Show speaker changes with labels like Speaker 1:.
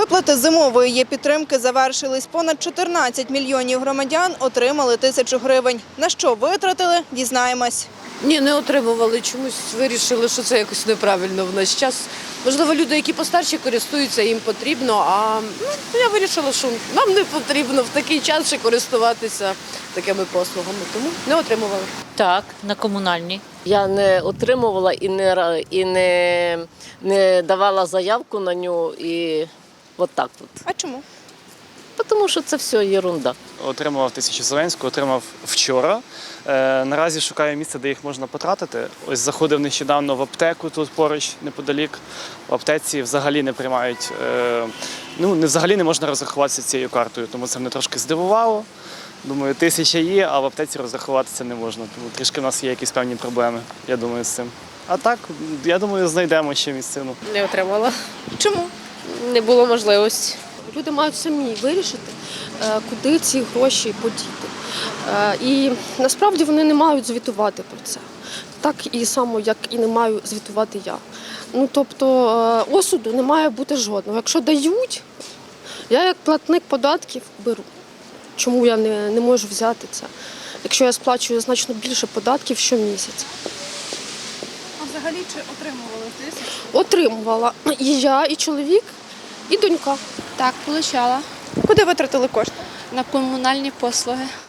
Speaker 1: Виплати зимової є-підтримки завершились. Понад 14 мільйонів громадян отримали 1000 гривень. На що витратили – дізнаємось.
Speaker 2: Ні, не отримували. Чомусь вирішили, що це якось неправильно в наш час. Можливо, люди, які постарші, користуються, їм потрібно, а я вирішила, що нам не потрібно в такий час ще користуватися такими послугами, тому не отримували.
Speaker 3: Так, на комунальні.
Speaker 4: Я не отримувала і не давала заявку на нього, і от так от.
Speaker 1: А чому?
Speaker 4: Тому що це все ерунда.
Speaker 5: Отримував 1000 Зеленського, отримав вчора. Наразі шукаю місце, де їх можна потратити. Ось заходив нещодавно в аптеку тут поруч, неподалік. В аптеці взагалі не приймають, взагалі не можна розрахуватися цією картою, тому це мене трошки здивувало. Думаю, 1000 є, а в аптеці розрахуватися не можна. Тому трішки в нас є якісь певні проблеми, я думаю, з цим. А так, я думаю, знайдемо ще місцину.
Speaker 2: Не отримала.
Speaker 1: Чому?
Speaker 2: Не було можливості.
Speaker 6: Люди мають самі вирішити, куди ці гроші подіти. І насправді вони не мають звітувати про це. Так і само, як і не маю звітувати я. Тобто осуду не має бути жодного. Якщо дають, я як платник податків беру. Чому я не можу взяти це? Якщо я сплачую значно більше податків щомісяця.
Speaker 1: А взагалі чи отримували 1000?
Speaker 6: Отримувала і я, і чоловік, і донька.
Speaker 7: Так, получала
Speaker 1: Куди витратили кошти?
Speaker 7: на комунальні послуги.